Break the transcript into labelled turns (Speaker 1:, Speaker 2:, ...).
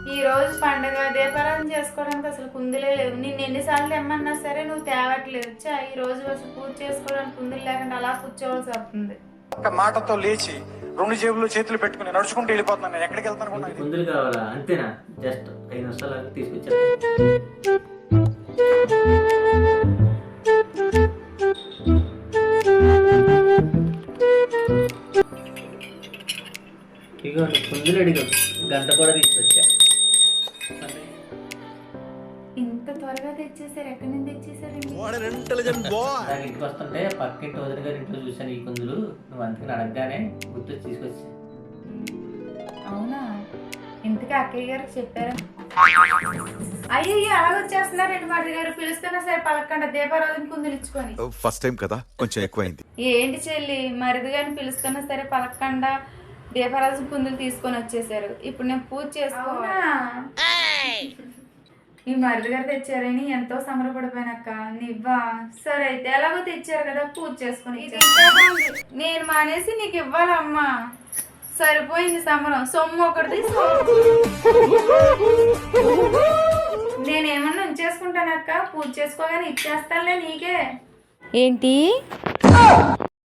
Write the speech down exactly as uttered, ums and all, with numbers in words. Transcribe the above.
Speaker 1: ఈ రోజు పండుగ దీపారాధన చేసుకోవడానికి అసలు కుందులే లేవు. నిన్ను ఎన్నిసార్లు తెమ్మన్నా సరే నువ్వు తేవట్లేదు. చా ఈ రోజు అసలు పూజ చేసుకోవడానికి కుందులు లేకుండా అలా కూర్చోవలసి వస్తుంది.
Speaker 2: ఒక మాటతో లేచి రెండు జేబులు చేతులు పెట్టుకుని నడుచుకుంటూ వెళ్ళిపోతున్నాను. నేను ఎక్కడికి వెళ్తాను?
Speaker 3: కుందులు కావాలా? అంతేనా? జస్ట్ ఐదు నిమిషాలు తీసుకొచ్చా. ఇగో కుందులు అడిగా, గంట కూడా తీసుకొచ్చా.
Speaker 1: ఇంత త్వరగా తెచ్చేసారు? ఎక్కడి నుంచి తెచ్చేసారు?
Speaker 3: నాకు ఇంటికి వస్తుంటే పక్కింటి వదిన గారి ఇంట్లో చూసాను ఈ కుందులు. నువ్వు అందుకని అడగగానే గుర్తొచ్చి తీసుకొచ్చా.
Speaker 1: అవునా? ఇంతకీ అక్కయ్య గారికి చెప్పారా? అయ్యో అలా వచ్చేస్తున్నారండి. మరిది గారు పిలుస్తున్నా సరే పలకండి. దీపారాధన కుందులు ఇచ్చుకొని.
Speaker 4: ఫస్ట్ టైం కదా, కొంచెం ఎక్కువైంది.
Speaker 1: ఏంటి చెల్లి, మరిది గారిని పిలుస్తున్నా సరే పలకండా దీపారాధన కుందులు తీసుకొని వచ్చేసారు. ఇప్పుడు నేను పూజ చేసుకోవాలా? ఈ మరిది గారు తెచ్చారని ఎంతో సంబరపడిపోయినక్క. నివ్వా? సరే అయితే ఎలాగో తెచ్చారు కదా, పూజ చేసుకుని. నేను మానేసి నీకు ఇవ్వాలమ్మా. సరిపోయింది సంబరం. సొమ్ము ఒకటిది. నేనేమన్నా ఉంచేసుకుంటానక్క, పూజ చేసుకోగానే ఇచ్చేస్తానులే నీకే. ఏంటి?